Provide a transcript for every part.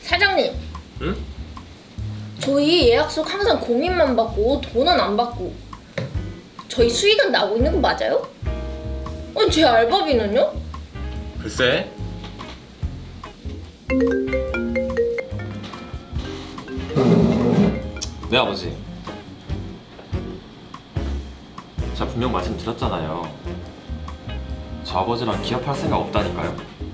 사장님. 응? 저희 예약석 항상 공인만 받고 돈은 안 받고 저희 수익은 나고 있는 거 맞아요? 아니 제 알바비는요? 글쎄. 네 아버지. 제가 분명 말씀드렸잖아요. 저 아버지랑 기업할 생각 없다니까요.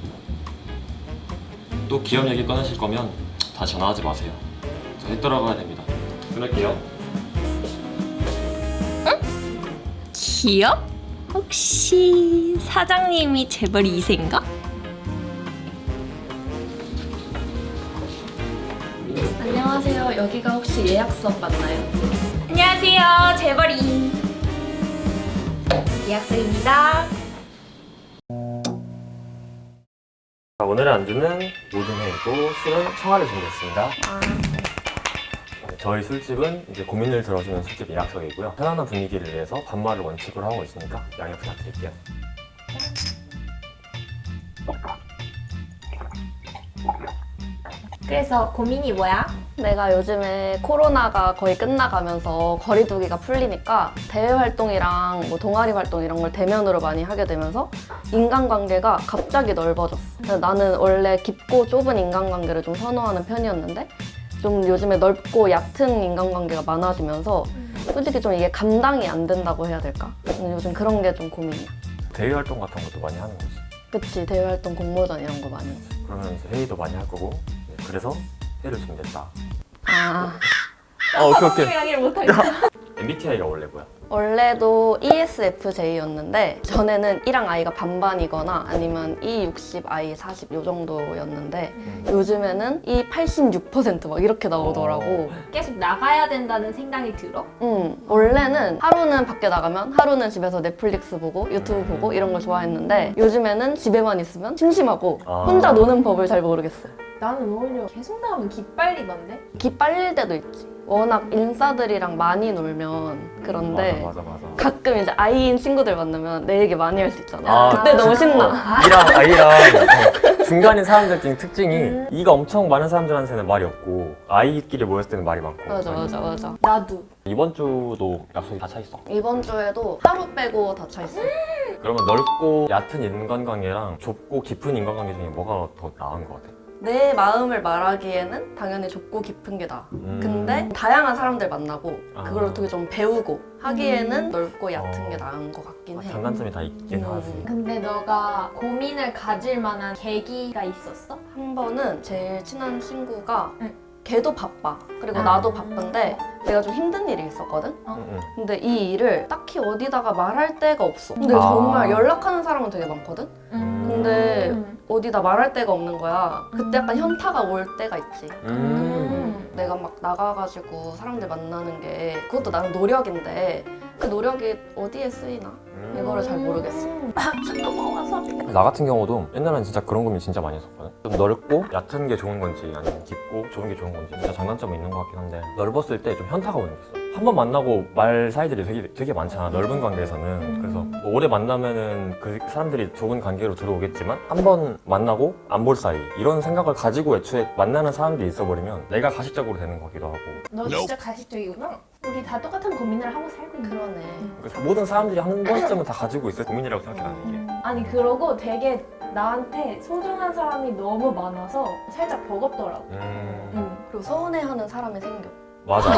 또 기업 얘기 꺼내실 거면 다시 전화하지 마세요. 저 해 돌아가야 됩니다. 끊을게요. 기업? 혹시 사장님이 재벌 2세인가? 안녕하세요. 여기가 혹시 예약석 맞나요? 안녕하세요, 재벌이 예약석입니다. 오늘의 안주는 모든 회이고 술은 청아를 준비했습니다. 저희 술집은 이제 고민을 들어주는 술집 예약석이고요. 편안한 분위기를 위해서 반말을 원칙으로 하고 있으니까 양해 부탁드릴게요. 그래서 고민이 뭐야? 내가 요즘에 코로나가 거의 끝나가면서 거리두기가 풀리니까 대외 활동이랑 뭐 동아리 활동 이런 걸 대면으로 많이 하게 되면서 인간관계가 갑자기 넓어졌어. 그래서 나는 원래 깊고 좁은 인간관계를 좀 선호하는 편이었는데 좀 요즘에 넓고 얕은 인간관계가 많아지면서 솔직히 좀 이게 감당이 안 된다고 해야 될까? 요즘 그런 게 좀 고민이야. 대외 활동 같은 것도 많이 하는 거지. 그치, 대외 활동 공모전 이런 거 많이 하지. 그러면 이제 회의도 많이 할 거고 그래서 회를 준비했다. 오케이. 이야기를 못하겠어. MBTI가 원래 뭐야? 원래도 ESFJ였는데 전에는 E랑 I가 반반이거나 아니면 E60, I40 요 정도였는데 요즘에는 E86% 막 이렇게 나오더라고. 계속 나가야 된다는 생각이 들어? 원래는 하루는 밖에 나가면 하루는 집에서 넷플릭스 보고 유튜브 보고 이런 걸 좋아했는데 요즘에는 집에만 있으면 심심하고 혼자 노는 법을 잘 모르겠어요. 나는 오히려 계속 나가면 기빨리던데? 기 빨릴 때도 있지. 워낙 인싸들이랑 많이 놀면 그런데 맞아. 가끔 이제 I인 친구들 만나면 내 얘기 많이 할 수 있잖아. 그때 너무 신나. E랑 I랑 중간인 사람들 중에 특징이 E가 엄청 많은 사람들한테는 말이 없고 I끼리 모였을 때는 말이 많고. 맞아. 나도. 이번 주도 약속이 다 차 있어. 이번 주에도 하루 빼고 다 차 있어. 그러면 넓고 얕은 인간관계랑 좁고 깊은 인간관계 중에 뭐가 더 나은 것 같아? 내 마음을 말하기에는 당연히 좁고 깊은 게 나아. 근데 다양한 사람들 만나고 그걸 어떻게 좀 배우고 하기에는 넓고 얕은 게 나은 것 같긴 해. 장단점이 다 있긴 하지. 근데 너가 고민을 가질 만한 계기가 있었어? 한 번은 제일 친한 친구가 응. 걔도 바빠. 그리고 나도 바쁜데 내가 좀 힘든 일이 있었거든? 응. 근데 이 일을 딱히 어디다가 말할 데가 없어. 근데 아. 정말 연락하는 사람은 되게 많거든? 근데 어디다 말할 데가 없는 거야. 그때 약간 현타가 올 때가 있지. 내가 막 나가가지고 사람들 만나는 게 그것도 나는 노력인데 그 노력이 어디에 쓰이나? 이거를 잘 모르겠어. 나 같은 경우도 옛날에는 진짜 그런 고민 진짜 많이 했었거든. 좀 넓고 얕은 게 좋은 건지 아니면 깊고 좁은 게 좋은 건지 진짜 장단점이 있는 것 같긴 한데 넓었을 때 좀 현타가 오는 게 있어. 한 번 만나고 말 사이들이 되게 많잖아, 넓은 관계에서는. 그래서 뭐 오래 만나면은 그 사람들이 좁은 관계로 들어오겠지만 한 번 만나고 안 볼 사이 이런 생각을 가지고 애초에 만나는 사람들이 있어버리면 내가 가식적으로 되는 거기도 하고. 너 진짜 가식적이구나. 우리 다 똑같은 고민을 하고 살고 있는 그러네. 그래서 모든 사람들이 한 번쯤은 다 가지고 있을 고민이라고 생각해 나는 이게. 아니 그러고 되게 나한테 소중한 사람이 너무 많아서 살짝 버겁더라고. 그리고 서운해하는 사람이 생겨. 맞아.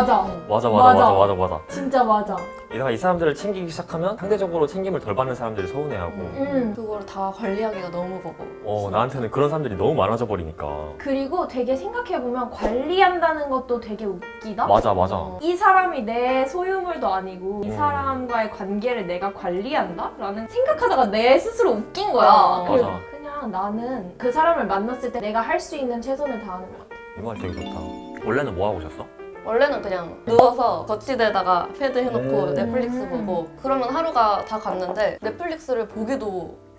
맞아. 진짜 맞아. 내가 이 사람들을 챙기기 시작하면 상대적으로 챙김을 덜 받는 사람들이 서운해하고 그거를 다 관리하기가 너무 버거워. 나한테는 그런 사람들이 너무 많아져 버리니까. 그리고 되게 생각해보면 관리한다는 것도 되게 웃기다? 맞아. 이 사람이 내 소유물도 아니고 이 사람과의 관계를 내가 관리한다? 라는 생각하다가 내 스스로 웃긴 거야. 그래서 맞아. 그냥 나는 그 사람을 만났을 때 내가 할 수 있는 최선을 다하는 것 같아. 이 말 되게 좋다. 원래는 뭐 하고 오셨어? 원래는 그냥 누워서 거치대다가 패드 해놓고 넷플릭스 보고 그러면 하루가 다 갔는데 넷플릭스를 보기도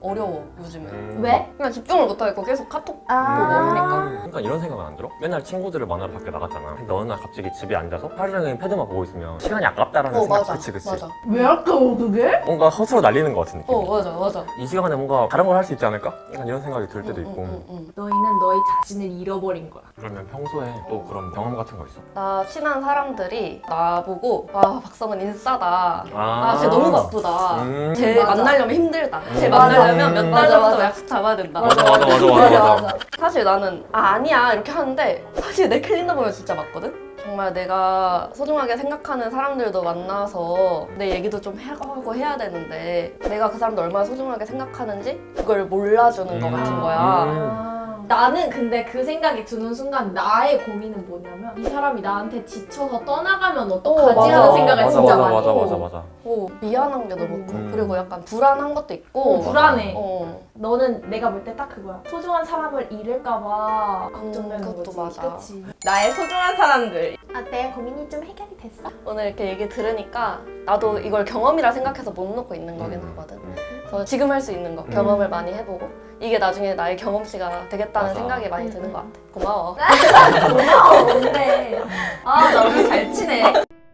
어려워 요즘에. 왜? 그냥 집중을 못하겠고 계속 카톡 보고 아. 하니까. 그러니까 이런 생각은 안 들어? 맨날 친구들을 만나러 밖에 나갔잖아. 근데 어느 날 갑자기 집에 앉아서 하루 종일 패드만 보고 있으면 시간이 아깝다라는 생각. 맞아. 그치. 맞아. 왜 아까워 그게? 뭔가 허수로 날리는 것 같은 느낌. 맞아. 이 시간에 뭔가 다른 걸 할 수 있지 않을까? 약간 이런 생각이 들 때도 있고. 너희는 너희 자신을 잃어버린 거야. 그러면 평소에 또 그런 경험 같은 거 있어? 나 친한 사람들이 나보고 와 박성은 인싸다. 아, 쟤 너무 바쁘다. 쟤 맞아. 만나려면 힘들다. 쟤 맞아. 만나려면 몇 달 맞아, 전부터 맞아. 약속 잡아야 된다. 맞아. 사실 나는 아니야 이렇게 하는데 사실 내 캘린더 보면 진짜 맞거든? 정말 내가 소중하게 생각하는 사람들도 만나서 내 얘기도 좀 하고 해야 되는데 내가 그 사람도 얼마나 소중하게 생각하는지 그걸 몰라주는 것 같은 거야. 나는 근데 그 생각이 드는 순간 나의 고민은 뭐냐면 이 사람이 나한테 지쳐서 떠나가면 어떡하지 맞아. 하는 생각을 맞아, 진짜 맞아, 많이 해. 맞아. 미안한 게 너무 커. 그리고 약간 불안한 것도 있고. 불안해. 어. 너는 내가 볼 때 딱 그거야. 소중한 사람을 잃을까봐 걱정되는 그것도 거지. 맞아. 그치? 나의 소중한 사람들. 어때? 고민이 좀 해결이 됐어? 오늘 이렇게 얘기 들으니까 나도 이걸 경험이라 생각해서 못 놓고 있는 거긴 하거든. 그래서 지금 할 수 있는 거 경험을 많이 해보고 이게 나중에 나의 경험치가 되겠다는 맞아. 생각이 많이 드는 것 같아. 고마워. 고마워, 뭔데. 아, 나 오늘 잘 치네.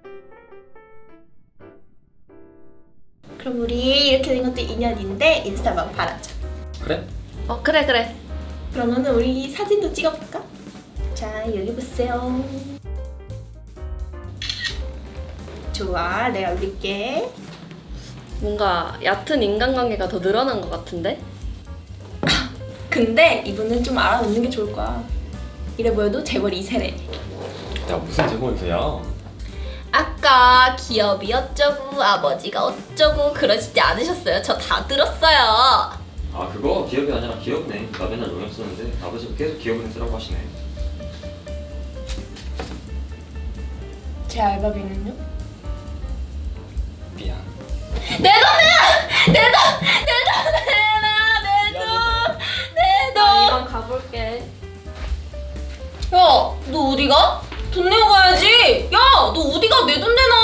그럼 우리 이렇게 된 것도 인연인데 인스타방 바라자. 그래? 그래. 그러면은 우리 사진도 찍어볼까? 자, 여기 보세요. 좋아, 내가 올릴게. 뭔가 얕은 인간관계가 더 늘어난 것 같은데? 근데 이분은 좀 알아놓는 게 좋을 거야. 이래 보여도 재벌 2세래. 야, 무슨 제목이야? 아까 기업이 어쩌고 아버지가 어쩌고 그러시지 않으셨어요? 저 다 들었어요. 아 그거 기업이 아니라 기업네. 나 맨날 용역 쓰는데 아버지가 계속 기업은 쓰라고 하시네. 제 알바비는요? 미안. 내 돈! 이만 가볼게. 야, 너 어디가? 돈 내고 가야지. 야, 너 어디가? 내 돈 내놔.